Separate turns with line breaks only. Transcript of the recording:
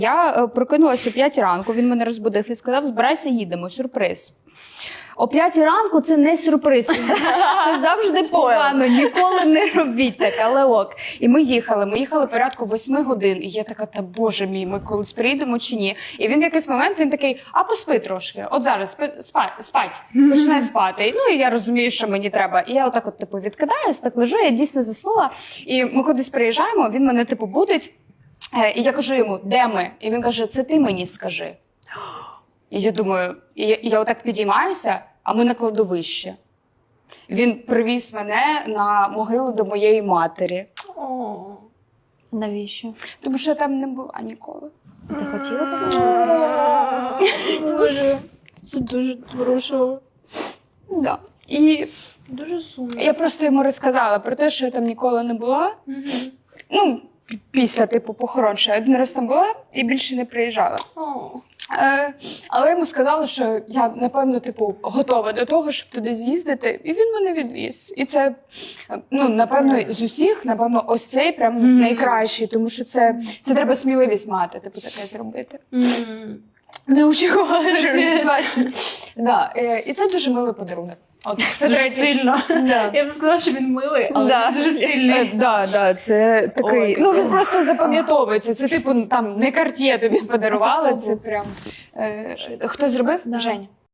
Я прокинулася о 5 ранку, він мене розбудив і сказав, збирайся, їдемо, сюрприз. О 5 ранку це не сюрприз, це завжди погано, ніколи не робіть так, але ок. І ми їхали порядку 8 годин, і я така, та боже мій, ми колись приїдемо чи ні? І він в якийсь момент, він такий, а поспи трошки, от зараз, спать, починай спати. Ну і я розумію, що мені треба. І я отак от, типу, відкидаюсь, так лежу, я дійсно заснула, і ми кудись приїжджаємо, він мене, типу, будить, і я кажу йому, де ми? І він каже, це ти мені скажи. І я думаю, я отак підіймаюся, а ми на кладовищі. Він привіз мене на могилу до моєї матері.
О, навіщо?
Тому що я там не була ніколи.
Ти хотіла побачити?
Боже, це дуже хорошо.
Да. І
Дуже сумно.
я просто йому розказала про те, що я там ніколи не була. Ну, після, типу, похорон, що я один раз там була і більше не приїжджала. Але йому сказали, що я, напевно, типу, готова до того, щоб туди з'їздити, і він мене відвіз. І це, ну, напевно, з усіх, напевно, ось цей прям найкращий, тому що це треба сміливість мати, типу, таке зробити. Не очікувала, що да, і це дуже милий подарунок. От, це
Дуже
третій.
сильно.
Да.
Я б сказала, що він милий, але
Да.
дуже сильний.
Да, це такий.
Ой,
Ну він просто запам'ятовується. Це типу там не Cartier тобі подарували.
А це
Це прям хто зробив?
Да.
Женя.